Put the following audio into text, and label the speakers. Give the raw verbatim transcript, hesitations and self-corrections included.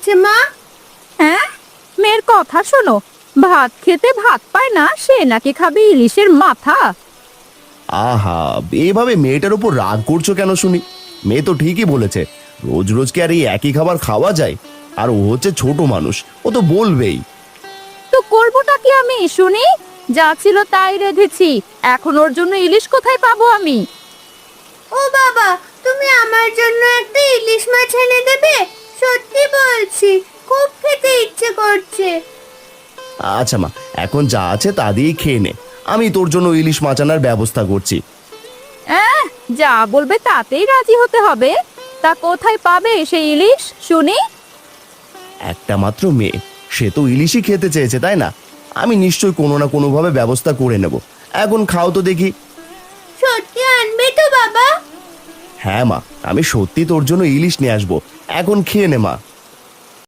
Speaker 1: হচ্ছে মা?
Speaker 2: হ্যাঁ, মেয়ের কথা শোনো। ভাত খেতে ভাত পায় না, সে নাকি খাবে ইলিশের মাথা।
Speaker 3: আহা, এভাবে মেয়েটার উপর রাগ করছো কেন শুনি? মেয়ে তো ঠিকই বলেছে, রোজ রোজ কি আর এই একই খাবার খাওয়া যায়? আর ও হচ্ছে ছোট মানুষ, ও তো বলবেই।
Speaker 2: তো করবোটা কি আমি শুনি? যা ছিল তাই রেঁধেছি, এখন ওর জন্য ইলিশ কোথায় পাবো আমি?
Speaker 1: ও বাবা, তুমি আমার জন্য একটা ইলিশ মাছ এনে দেবে? সত্যি বলছি, খুব খেতে ইচ্ছে করছে।
Speaker 3: আচ্ছা মা, এখন যা আছে তা দিয়েই খেয়ে নে, আমি তোর জন্য ইলিশ মাছ আনার ব্যবস্থা করছি।
Speaker 2: আহ, যা বলবে তাতেই রাজি হতে হবে? তা কোথায় পাবে সেই ইলিশ শুনি?
Speaker 3: একটা মাত্র মেয়ে, সে তো ইলিশই খেতে চেয়েছে, তাই না? আমি নিশ্চয়ই কোনো না কোনোভাবে ব্যবস্থা করে নেব। এখন খাও তো দেখি।
Speaker 1: সত্যি আনবে তো বাবা?
Speaker 3: হ্যাঁ মা, আমি সত্যি তোর জন্য ইলিশ নিয়ে আসবো, এখন খেয়ে নে মা।